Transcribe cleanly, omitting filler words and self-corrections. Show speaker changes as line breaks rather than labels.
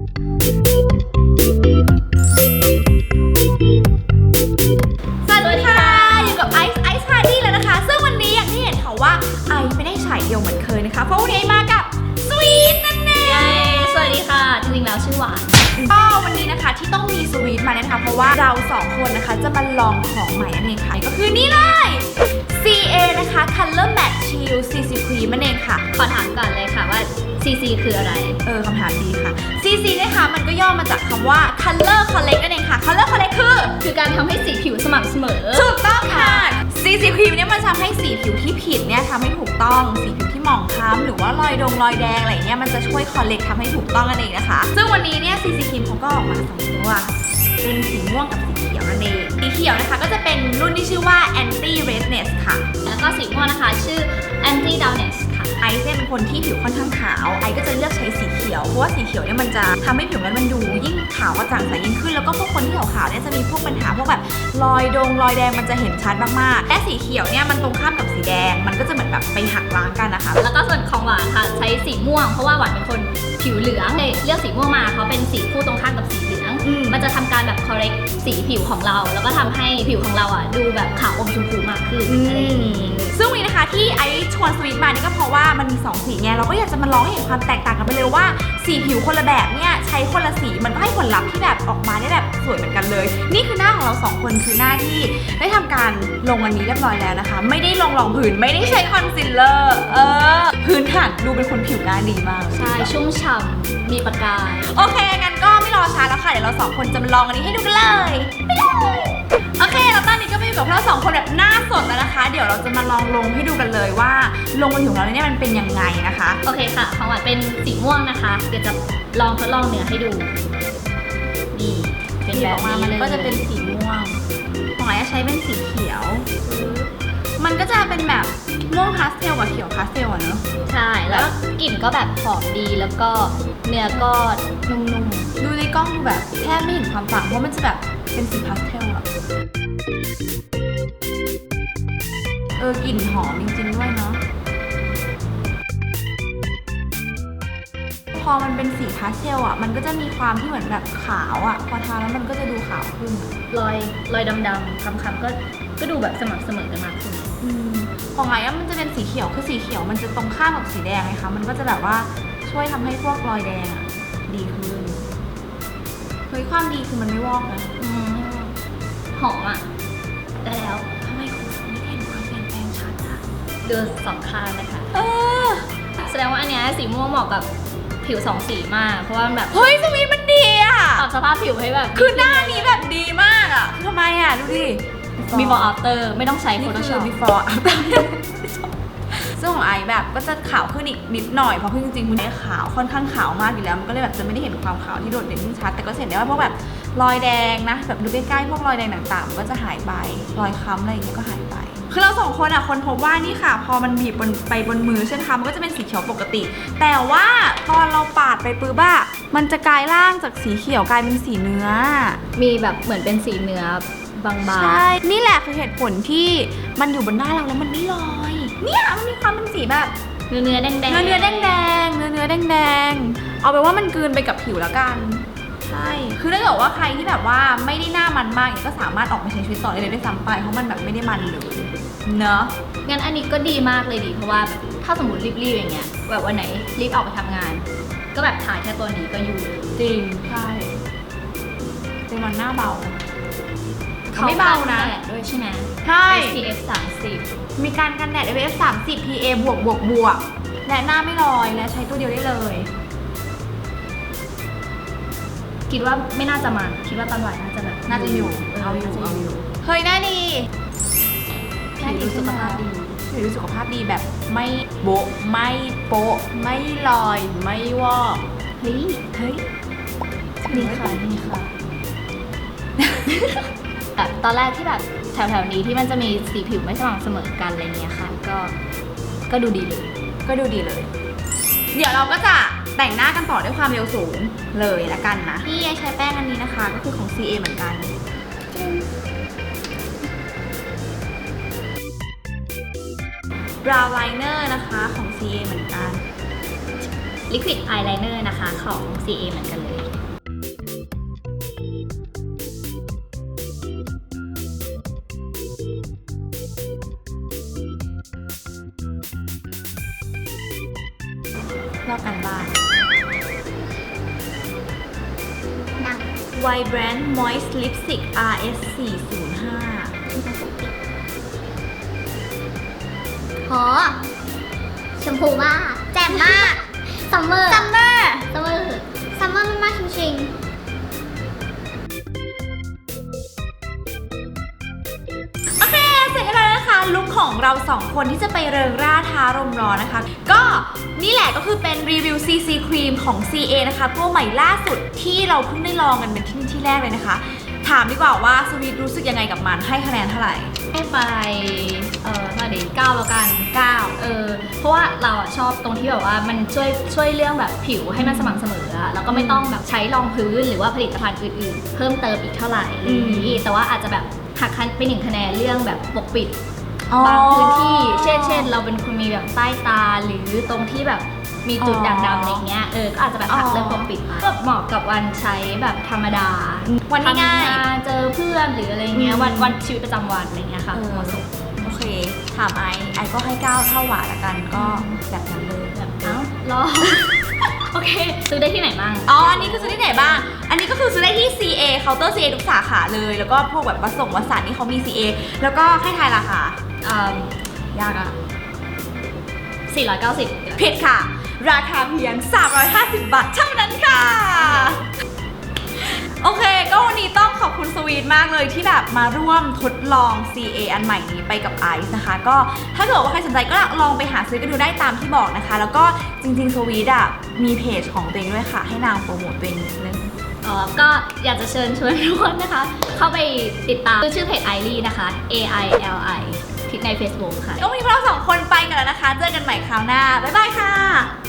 สวัสดีค่ะอยู่กับไอซ์พาร์ตี้แล้วนะคะซึ่งวันนี้อย่างที่เห็นค่ะว่าไอซ์ไม่ได้ฉายเดียวเหมือนเคยนะคะเพราะวันนี้มากับสวีทนั่นเอง
สวัสดีค่ะจริงๆแล้วชื่อหวาน
ก็วันนี้นะคะที่ต้องมีสวีทมานะคะเพราะว่าเรา2คนนะคะจะมาลองของใหม่นั่นเองค่ะก็คือนี่เลย CA นะคะ Color Matte Shield CC Cream นั่นเองค่ะ
ขอถามก่อนเลยค่ะว่า CC คืออะไร
คำถามดีค่ะ CC นะคะมันก็ย่อมาจากคำว่า Color Correct นั่นเองค่ะ Color Correct
คือการทำให้สีผิวสม่ำเสมอ
ถูกต้องค่ะ CC Cream เนี่ยมันทำให้สีผิวที่ผิดเนี่ยทำให้ถูกต้องสีผิวที่หมองคล้ำหรือว่ารอยแดงอะไรเนี่ยมันจะช่วย Correct ทำให้ถูกต้องนั่นเองนะคะซึ่งวันนี้เนี่ย CC Cream เขาก็ออกมา2ตัวเป็นสีม่วงกับสีเขียวนั่นเองสีเขียวนะคะก็จะเป็นรุ่นที่ชื่อว่า Anti Redness ค่ะ
แล้วก็สีม่วงนะคะชื่อ Anti Dullness ค่ะ
ไอซ์เป็นคนที่ผิวค่อนข้างขาวไอซ์ก็จะเลือกใช้สีเขียวเพราะว่าสีเขียวเนี่ยมันจะทำให้ผิวมันดูยิ่งขาวกระจ่างใสยิ่งขึ้นแล้วก็พวกคนที่ขาวๆเนี่ยจะมีพวกปัญหาพวกแบบรอยแดงมันจะเห็นชัดมากๆและสีเขียวเนี่ยมันตรงข้ามกับสีแดงมันก็จะเหมือนแบบไปหักล้างกันนะคะ
แล้วก็ส่วนของหวานค่ะใช้สีม่วงเพราะว่าหวานเป็นคนผิวเหลืองเลยเลือกสีม่วงมาเขาเป็นสีคู่ตรงข้ามกับสีเหลืองมันจะทำการแบบ correct สีผิวของเราแล้วก็ทำให้ผิวของเราอ่ะดูแบบขาวอมชมพูมากขึ้น
ซึ่งวันนี้นะคะที่ไอซ์ชวนสวีทมานี่ก็เพราะว่ามันมี2สีไงเราก็อยากจะมาลองให้เห็นความแตกต่างกันไปเลยว่าสีผิวคนละแบบเนี่ยใช้คนละสีมันก็ให้ผลลัพธ์ที่แบบออกมาได้แบบสวยเหมือนกันเลยนี่คือหน้าของเรา2คนคือหน้าที่ได้ทำการลงอันนี้เรียบร้อยแล้วนะคะไม่ได้ลงรองพื้นไม่ได้ใช้คอนซีลเลอร์พื้นฐานดูเป็นคนผิวหน้าดีมาก
ใช่ชุ่มฉ่ำมีประกาย
โอเคงั้นก็ไม่รอช้าแล้วค่ะเดี๋ยวเรา2คนจะมาลองอันนี้ให้ดูกันเลยไปเลยโอเคแล้วตอนนี้ก็มาอยู่กับเรา2คนแบบหน้าสดแล้วนะคะเดี๋ยวเราจะมาลองลงให้ดูกันเลยว่าลงบนผิวของเราเนี่ยมันเป็นยังไงนะคะ
โอเคค่ะของหวานเป็นสีม่วงนะคะเดี๋ยวจะลองทดลองเนื้อให้ดูนี่เป็นแบบนี้
มันก็จะเป็นสีม่วงของไอ้ใช้เป็นสีเขียวมันก็จะเป็นแบบม่วงพาสเทลกับเขียวพาสเทลอะเนอะ
ใช่แล้วกลิ่นก็แบบหอมดีแล้วก็เนื้อก็นุ่ม
ๆดูในกล้องดูแบบแทบไม่เห็นความต่างเพราะมันจะแบบเป็นสีพาสเทลอะกลิ่นหอมจริงๆด้วยเนาะพอมันเป็นสีพาสเทลอ่ะมันก็จะมีความที่เหมือนแบบขาวอ่ะพอทาแล้วมันก็จะดูขาวขึ้น
รอยดำๆคล้ำๆก็ดูแบบสม่ำเสมอกันมากขึ้น
ของไอ้มันจะเป็นสีเขียวคือสีเขียวมันจะตรงข้ามกับสีแดงไงคะมันก็จะแบบว่าช่วยทำให้พวกรอยแดงอ่ะดีขึ้นเฮ้ยความดีคือมันไม่วอกนะ
หอมอ่ะได้แล้ว
ทำไมคุณไม่เห็นความเปลี่ยนแปลงชัดอ่ะ
ดูสองข้างนะคะแสดงว่าอันเนี้ยสีม่วงเหมาะกับผิว2สีมากเพราะว่าแบบ
เฮ้ยสวีทมันดีอ่ะ
ปรับสภาพผิวให้แบบ
คือหน้านี้แบบดีมากอ่ะทำไมอ่ะดูดิ
before after ไม่ต้องใช้ Photoshop
before after ซึ่งของไอแบบก็จะขาวขึ้นอีกนิดหน่อยเพราะจริงๆคุณไอขาวค่อนข้างขาวมากอยู่แล้วมันก็เลยแบบจะไม่ได้เห็นความขาวที่โดดเด่นชัดแต่ก็เห็นได้ว่าพวกแบบรอยแดงนะแบบดูใกล้ๆพวกรอยแดงต่างๆมันก็จะหายไปรอยค้ำอะไรอย่างเงี้ยก็หายไปคือเรา2คนอ่ะคนพบว่านี่ค่ะพอมันบีบไปบนมือใช่ไหมคะมันก็จะเป็นสีเขียวปกติแต่ว่าพอเราปาดไปปื้บอะมันจะกลายร่างจากสีเขียวกลายเป็นสีเนื้อ
มีแบบเหมือนเป็นสีเนื้อบางๆ
ใช่นี่แหละคือเหตุผลที่มันอยู่บนหน้าเราแล้วมันไม่ลอยเนี่ยมันมีความเป็นสีแบบ
เนื้อแดง
เนื้อแดงเอาไปว่ามันกลืนไปกับผิวแล้วกันใช่คือถ้าเกิดว่าใครที่แบบว่าไม่ได้หน้ามันมากก็สามารถออกไปใช้ชีวิตต่อได้เลยด้วยซ้ำไปเพราะมันแบบไม่ได้มันเลยเนอะ
งั้นอันนี้ก็ดีมากเลยดิเพราะว่าถ้าสมมติรีบๆอย่างเงี้ยแบบวันไหนรีบออกไปทำงานก็แบบถ่ายแค่ตัวนี้ก็อยู่
จริงใช่จริงมันหน้าเบาไม่เบานะ
ด้วยใช่ไหม
ใช่
SPF 30
มีการกันแดด SPF 30 PA บวกและหน้าไม่ลอยและใช้ตัวเดียวได้เลย
คิดว่าไม่น่าจะมันคิดว่าตอนหวานน่าจะแบบ
น่าจะอยู่เอาอยู่เฮ้ยหน้าดี
ผิวสุขภาพดี
ผิวสุขภาพดีแบบไม่โบ๊ะไม่โป๊ะไม่ลอยไม่วอก
เฮ้ย
นี่ค่ะ
แบบตอนแรกที่แบบแถวๆนี้ที่มันจะมีสีผิวไม่สม่ำเสมอกันอะไรเงี้ยค่ะก็ดูดีเลย
เดี๋ยวเราก็จะแต่งหน้ากันต่อด้วยความเร็วสูงเลยละกันนะที่ใช้แป้งอันนี้นะคะก็คือของ CA เหมือนกันbrow liner นะคะของ CA เหมือนกัน
liquid eyeliner นะคะของ CA เหมือนกันเลย
Vibrant Moist Lipstick RS 405
โหชมพูมากแจ่มมากซัมเมอร์มากจริงๆ
โอเค เสร็จแล้วนะคะลุคของเรา2คนที่จะไปเริงร่าท้ารมร้อนนะคะ ก็นี่แหละก็คือเป็นรีวิว CC ครีมของ CA นะคะตัวใหม่ล่าสุดที่เราเพิ่งได้ลองกันเป็นที่แรกเลยนะคะ ถามดีกว่าว่าสวีทรู้สึกยังไงกับมันให้คะแนนเท่าไหร่
ให้ไปเท่าไหร่9แล้วกัน
9
เพราะว่าเราอะชอบตรงที่แบบว่ามันช่วยเรื่องแบบผิวให้มันสม่ำเสมออะแล้วก็ไม่ต้องแบบใช้รองพื้นหรือว่าผลิตภัณฑ์อื่นๆ เพิ่มเติมอีกเท่าไหร่อะไรอย่างนี้แต่ว่าอาจจะแบบหักไป1คะแนนเรื่องแบบปกปิดบางพื้นที่เช่นเราเป็นคนมีแบบใต้ตาหรือตรงที่แบบมีจุดด่างดำอะไรเงี้ยก็อาจจะแบบหักเรื่องปกปิดไปก็เหมาะกับวันใช้แบบธรรมดา
วันง่าย
ทำงานเจอเพื่อนหรืออะไรเงี้ยวันชีวิตประจำวันอะไรเงี้ยค่ะเหมาะสม
โอเค ถามไอก็ให้ 9 เท่าหวานละกันก็แบบนั้นเลย
แบบรอ โอเคซื้อได้ที่ไหนบ้าง
อันนี้คือซื้อที่ไหนบ้าง อันนี้ก็คือซื้อได้ที่ CA เคาน์เตอร์ CA ทุกสาขาเลย แล้วก็พวกแบบวัสานนี่เขามี CA แล้วก็ให้ทายราคายากอะ
490
ผิดค่ะ ราคาเพียง 350 บาทเท่านั้นค่ะ โอเค ก็วันนี้ต้องขอบคุณสวีทมากเลยที่แบบมาร่วมทดลอง CA อันใหม่นี้ไปกับไอซ์นะคะ ก็ถ้าเกิดว่าใครสนใจก็ลองไปหาซื้อกันดูได้ตามที่บอกนะคะ แล้วก็จริงๆสวีทอะมีเพจของตัวเองด้วยค่ะ ให้นางโปรโมทตัวเองนิดนึง
ก็อยากจะเชิญชวนทุกคนนะคะ เข้าไปติดตามชื่อเพจ Aili นะคะ AILI ที่ใน Facebook ค่ะ
ก็วันนี้พวกเรา2 คนไปกันแล้วนะคะ เจอกันใหม่คราวหน้า บ๊ายบายค่ะ